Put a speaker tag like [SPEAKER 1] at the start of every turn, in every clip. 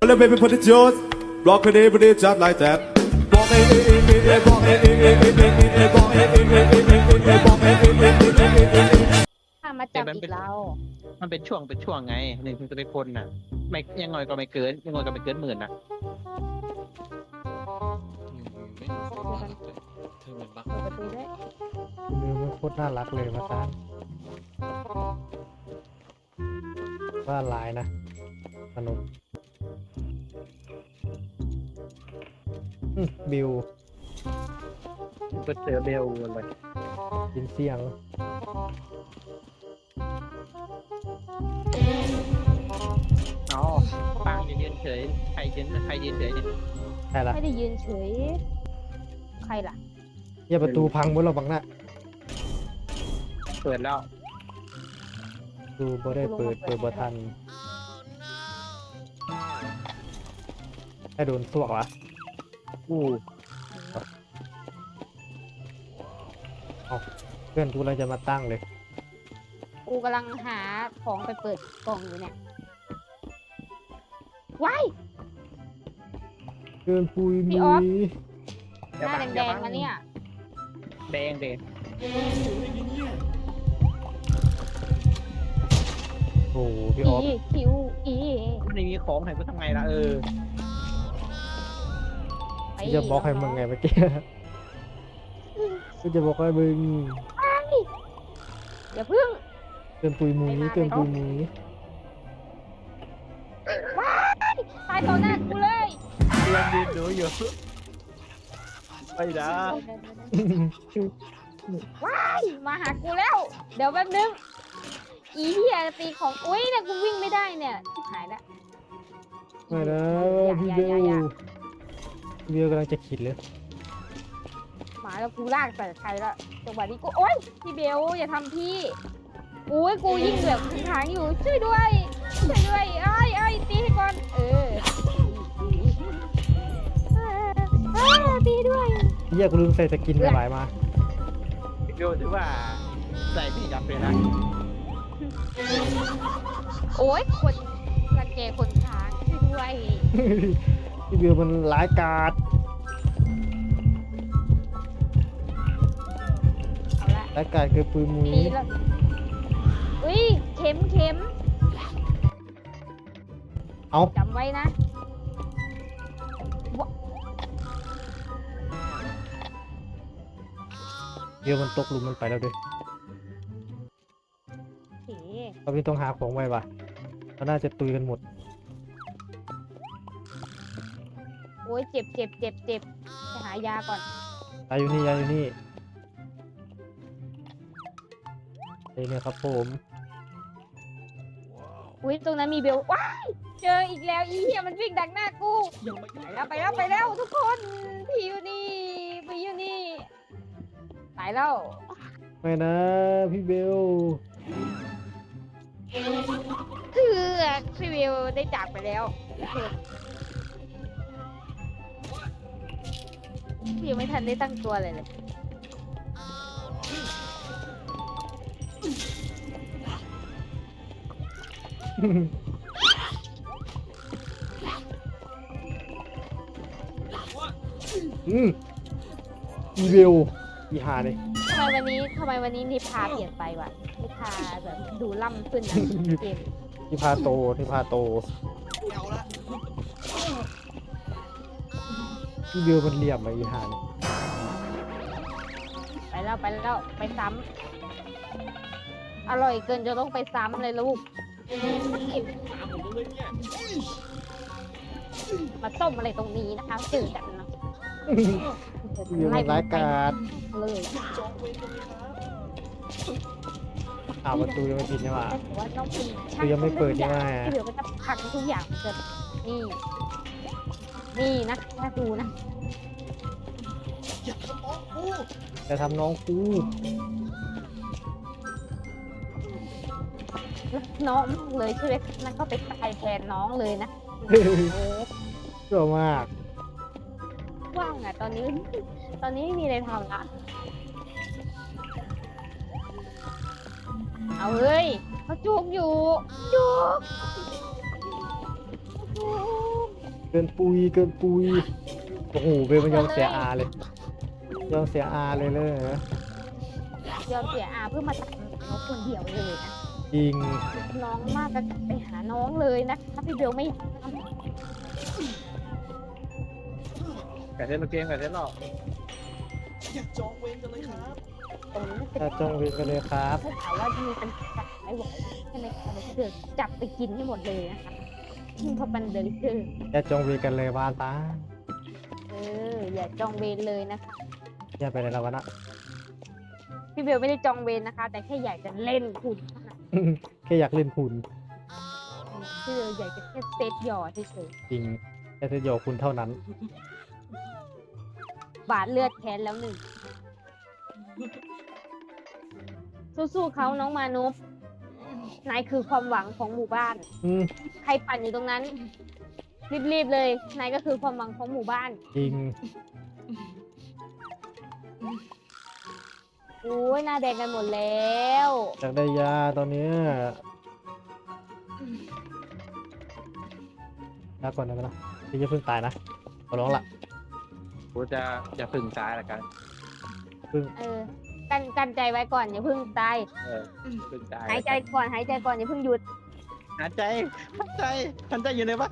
[SPEAKER 1] Let me put it yours. Block it, put it just like that. Block it, block it, block it.
[SPEAKER 2] ถ้ามาจับอีกเรา
[SPEAKER 3] มันเป็นช่วงไงหนึ่งจะเป็นคนน่ะไม่ยังไงก็ไม่เกินยังไงก็ไม่เกินหมื่นน่ะ
[SPEAKER 4] ไม่รู้สึกว่าเธอเหมือนบัก
[SPEAKER 2] เปิดประตูด้วย
[SPEAKER 5] มือมันโคตรน่ารักเลยมาตั้งว่าลายนะสนุกบิว
[SPEAKER 3] เปิดเจอเบลเลย
[SPEAKER 5] ยินเสียง
[SPEAKER 3] อ๋อปังยืนเฉยใครยืนเฉยเนี่ย
[SPEAKER 5] ใช่ละ
[SPEAKER 2] ไม่ได้ยืนเฉย ใครล่ะ
[SPEAKER 5] อย่าประตูพังหมดเราบังหน้า
[SPEAKER 3] เปิดแล้ว
[SPEAKER 5] ดูบ่ได้เปิดบ่ทันให้โดนสวกวะ
[SPEAKER 3] อู้
[SPEAKER 5] เพื่อนกูเราจะมาตั้งเลย
[SPEAKER 2] กูกำลังหาของไปเปิดกล่องอยู่เนี่ย ว้าย
[SPEAKER 5] เพื่อนปุย
[SPEAKER 2] พี่
[SPEAKER 5] มุ
[SPEAKER 2] ออฟ
[SPEAKER 5] ย
[SPEAKER 2] หน้าแดงๆมาเนี่ย
[SPEAKER 3] แดง
[SPEAKER 5] โอ้โหพี่ออฟ
[SPEAKER 2] คิวอี
[SPEAKER 3] ไม่มีของให้กูทำไงล่ะ
[SPEAKER 2] ไป
[SPEAKER 5] จะบอกให้มึงไงเมื่อกี้กูจะบอกให้มึง
[SPEAKER 2] อย่าพึ่ง
[SPEAKER 5] เตือนปุยมุยเตือนปุยมุย
[SPEAKER 2] ตายต่อหน้ากูเลย
[SPEAKER 3] เพื่อนยืนดูอยู่ไปนะ
[SPEAKER 2] ว้ายมาหากูแล้ว เดี๋ยวแป๊บนึง อีเหี้ยตีของอุ้ยเนี่ยกูวิ่งไม่ได้เนี่ยชิบหายละ
[SPEAKER 5] ไม่นะพี่เบลพี่เบลกำลังจะขิดเลย
[SPEAKER 2] หมาแล้วกูลากใส่ใครละจังหวะนี้กูโอ๊ยพี่เบลอย่าทำพี่อุ้ยกูยิ่งแบบทางอยู่ช่วยด้วยช่วยด้วยไอ้ตีให้ก่อนตีด้วย
[SPEAKER 5] เฮียกูลืมใส่สกินไปหมายมา
[SPEAKER 3] ดูถือว่าใส่พี่จับเลยนะ
[SPEAKER 2] โอ๊ยคนรังแกคนค้างช่วยด้วย
[SPEAKER 5] พี่เบลมันร้ายกาจ
[SPEAKER 2] เอาละ
[SPEAKER 5] ร้ายกาจเกินปุยมุย
[SPEAKER 2] ตีแล้วอุ้ยเข็ม
[SPEAKER 5] เอา
[SPEAKER 2] จำไว้นะ
[SPEAKER 5] เบลมันตกหลุมมันไปแล้วด้วย
[SPEAKER 2] โอเค
[SPEAKER 5] เราพี่ต้องหาของไว้ว่ะเราน่าจะตุยกันหมด
[SPEAKER 2] โอ้ยเจ็บไปหายาก่อน
[SPEAKER 5] ยาอยู่นี่ยาอยู่นี่เนี่ยครับผม
[SPEAKER 2] อุ้ยตรงนั้นมีเบลว้ายเจออีกแล้วอีเหี้ยมันวิ่งดักหน้ากูไปแล้วทุกคนพี่อยู่นี่ตายแล้ว
[SPEAKER 5] ไม่นะพี่เบล
[SPEAKER 2] คือพี่เบลได้จากไปแล้วพี่ยังไม่ทันได้ตั้งตัวเลย
[SPEAKER 5] พี่เบลอีหาเลย
[SPEAKER 2] ทำไมวันนี้นิพาเปลี่ยนไปวะนิพาแบบดูล่ำขึ้นนะเกม
[SPEAKER 5] ที่พาโตพี่เบลมันเหลี่ยมอะอีหาเนี่ย
[SPEAKER 2] ไปแล้วไปซ้ำอร่อยเกินจะต้องไปซ้ำเลยลูกมาต้มอะไรตรงนี้นะคะตื่นกันนะ
[SPEAKER 5] พี่เบลมันร้ายกาจ
[SPEAKER 2] เลย
[SPEAKER 5] ประตูยังไม่ปิดใช่ไหม
[SPEAKER 2] แต่ว่าต้องเป็น
[SPEAKER 5] คือยังไม่เปิดใช่ไหม
[SPEAKER 2] ที่เดี๋ยวก็จะพังทุกอย่างเกิดนี่นะน่าดูนะ
[SPEAKER 5] จะทำน้องกู
[SPEAKER 2] น้องเลยใช่ไหมนั่นก็ไปตายแทนน้องเลยนะ
[SPEAKER 5] เชื่อมาก
[SPEAKER 2] ว่างอ่ะตอนนี้ไม่มีอะไรทำละเอาเฮ้ยเขาจูบอยู่จูบ
[SPEAKER 5] เกินปุยเกินปุยโอ้โหเบลมันยอมเสียอาเลยยอมเสียอาเลยนะ
[SPEAKER 2] ยอมเสียอาเพื่อมาตัดน้องคนเดียวเลยนะ
[SPEAKER 5] จริง
[SPEAKER 2] น้องมากก็กลับไปหาน้องเลยนะคะพี่เบลไม่อยากทำ
[SPEAKER 3] ไก่เทนเกมไก่เทนหรอก
[SPEAKER 4] อย่าจองเวรกันเลยครับ
[SPEAKER 2] ตรงนี้มันเป็น
[SPEAKER 5] ถ้าจองเวรกันเลยครับ
[SPEAKER 2] ถ้าถามว่ามีเป็นจับไม่ไหวใช่ไหมคะเดือดจับไปกินให้หมดเลยนะคะเพราะมันเดลิเกอร์
[SPEAKER 5] อย่าจองเวรกันเลยว่าตา
[SPEAKER 2] อย่าจองเวรเลยนะคะ
[SPEAKER 5] อย่าไปไหนแล้ววะนะ
[SPEAKER 2] พี่เบลไม่ได้จองเวรนะคะ แต่แค่อยากจะเล่นคุณเท่านั้น
[SPEAKER 5] แค่อยากเล่นคุณ
[SPEAKER 2] พี่เบลอยากจะแค่เซตหยอดเฉย
[SPEAKER 5] จริงแค่จะโยกคุณเท่านั้น
[SPEAKER 2] ๆบาดเลือดแค้นแล้วหนึ่งสู้ๆเขาน้องมานุปนายคือความหวังของหมู่บ้าน
[SPEAKER 5] อืม
[SPEAKER 2] ใครปั่นอยู่ตรงนั้น รีบๆเลย นายก็คือความหวังของหมู่บ้าน
[SPEAKER 5] จริง
[SPEAKER 2] โอ้ยหน้าแดงกันหมดแล้ว
[SPEAKER 5] อยากได้ยาตอนเนี้ยยาก่อนได้ไหมล่ะพี่จะเพิ่งตายนะขอร้องละ
[SPEAKER 3] กูจะพึ่งตายละกัน
[SPEAKER 2] กันใจไว้ก่อนอย่าเพิ่งตาย
[SPEAKER 3] พึ่งตาย
[SPEAKER 2] หายใจก่อนอย่าเพิ่งหยุด
[SPEAKER 3] หายใจอยู่ไหนวะ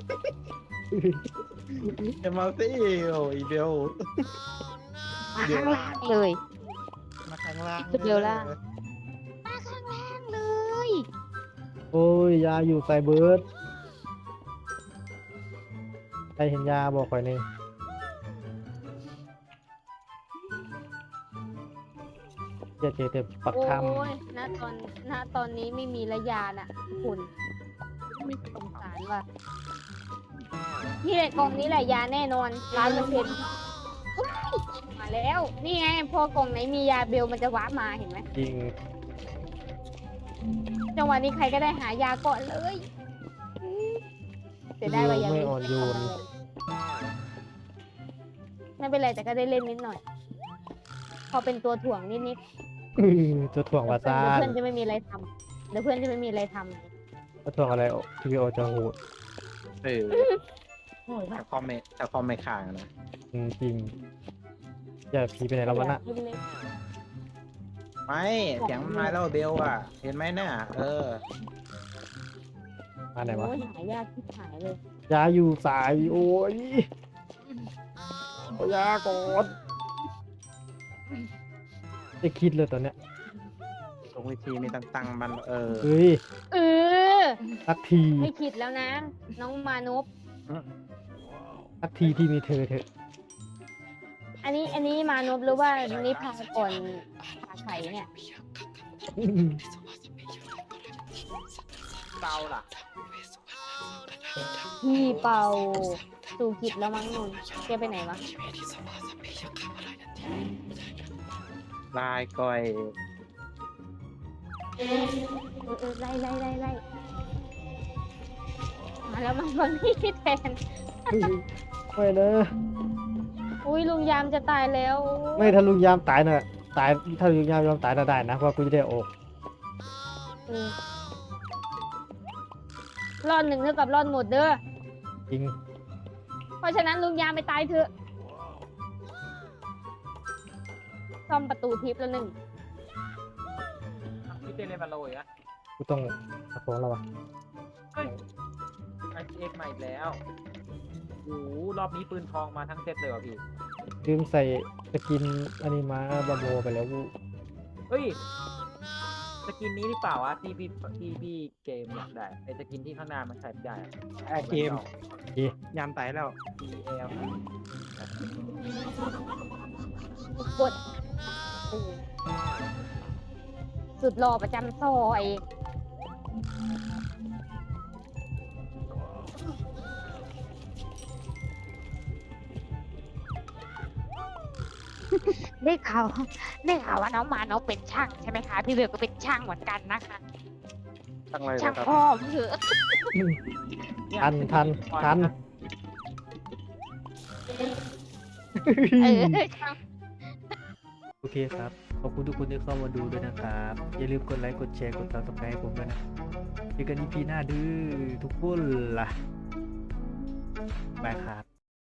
[SPEAKER 3] จะมาสิโอ้ยเบล
[SPEAKER 2] มาข้างล่างเลย
[SPEAKER 3] มาข้างล่าง
[SPEAKER 2] เบลล่ะ มาข้างล่างเลย
[SPEAKER 5] โอ้ยยาอยู่ใส่เบิร์ดใครเห็นยาบอกข่อยหนี่อยอย่าเจอแต่ปัก
[SPEAKER 2] โอ้
[SPEAKER 5] คำ
[SPEAKER 2] ยณตอนนี้ไม่มีระยาน่ะคุณสงสารว่ะนี่แหละกล่องนี้แหละยาแน่นอน1,000%มาแล้ว นี่ไงพอกล่องไหนมียาเบลมันจะวาร์ปมาเห็นไหม
[SPEAKER 5] จริง
[SPEAKER 2] จังหวะนี้ใครก็ได้หายาก่อนเลยเสียได้ว่ายา
[SPEAKER 5] ไม่อ่อนโยน
[SPEAKER 2] ไม่เป็นไรแต่ก็ได้เล่นนิดหน่อย พอเป็นตัวถ่วงนิด
[SPEAKER 5] จะถ่วง
[SPEAKER 2] ๆ
[SPEAKER 5] วาซา
[SPEAKER 2] เดี๋ยวเพื่อนจะไม่มีอะไรทำเดี๋ยวเพื่อนจะไม่มีอะไรทำ
[SPEAKER 5] จะถ่วงอะไรทีวีโอจะโหด
[SPEAKER 2] โอ้ย
[SPEAKER 3] ถ้าคอมไม่ค้างนะ
[SPEAKER 5] จริงอย่าผีไปไหนแล้ววะน่ะ
[SPEAKER 2] อยากเล่น
[SPEAKER 3] ไม่เสียงมันมาแล้วเบลอ่ะ เห็นไหมน่ะ
[SPEAKER 5] มาไหนวะ
[SPEAKER 2] โอ้ยหายากที่หายเลย
[SPEAKER 5] ยาอยู่สายโอ้ยเอายาก่อนจะคิดเลยตอนเนี้ย
[SPEAKER 3] ตรงวิธีมีตั้งมัน
[SPEAKER 5] เฮ้ย
[SPEAKER 2] เออ
[SPEAKER 5] สักที
[SPEAKER 2] ไม่คิดแล้วนะ น้องมานพ
[SPEAKER 5] สักทีที่มีเธอเถอะ
[SPEAKER 2] อันนี้มานพหรือว่านิพาก่อนผ่าไข่เนี่ย
[SPEAKER 3] เตาล่ะ
[SPEAKER 2] พี่เป่าสู่กิจแล้วมั้งนุ่นแกไปไหนวะ
[SPEAKER 3] ลายก้อย
[SPEAKER 2] ไล่มาแล้วมันคนพี่แทน
[SPEAKER 5] ไม่นะ
[SPEAKER 2] อุ้ยลุงยามจะตายแล้ว
[SPEAKER 5] ไม่ถ้าลุงยามตายน่ะตายถ้าลุงยามยอมตายน่ะได้นะเพราะกูจะได้ออก
[SPEAKER 2] รอด1เท่ากับรอดหมดเด้อ
[SPEAKER 5] จริง
[SPEAKER 2] เพราะฉะนั้นลุงยามไปตายเถอะซ่อมประตูทิพย์แล้วหนึ่ง
[SPEAKER 3] พี่เต้นเล่นบอลโลยอะ
[SPEAKER 5] กูต้องตะโกนแล้ววะ
[SPEAKER 3] ไอเอ็กใหม่แล้วโอ้รอบนี้ปืนทองมาทั้งเซตเลยว่ะพี่
[SPEAKER 5] ลืมใส่สกินอันนี้มาบาโบไปแล้วกู
[SPEAKER 6] เฮ้ย สกินนี้หรือเปล่าวะที่พี่เกมอยากได้ไอสกินที่ข้างหน้ามันใส่ไม่ได้อะ
[SPEAKER 3] เกมยามตายแล้ว
[SPEAKER 6] TL
[SPEAKER 2] กดสุดหล่อประจำซอยได้ข่าวว่าน้องมาน้องเป็นช่างใช่ไหมคะพี่เบลก็เป็นช่างเหมือนกันนะคะ
[SPEAKER 3] ตั้งอะไร
[SPEAKER 2] ช่าง
[SPEAKER 3] ครับ
[SPEAKER 2] พ่อมเถอะ
[SPEAKER 5] ทัน
[SPEAKER 2] ช่าง
[SPEAKER 5] โอเคครับ ขอบคุณทุกคนที่เข้ามาดูด้วยนะครับ อย่าลืมกดไลค์ กดแชร์ กด subscribe ให้ผมด้วยนะเจอกัน EP หน้าดื้อทุกคนล่ะบายครับ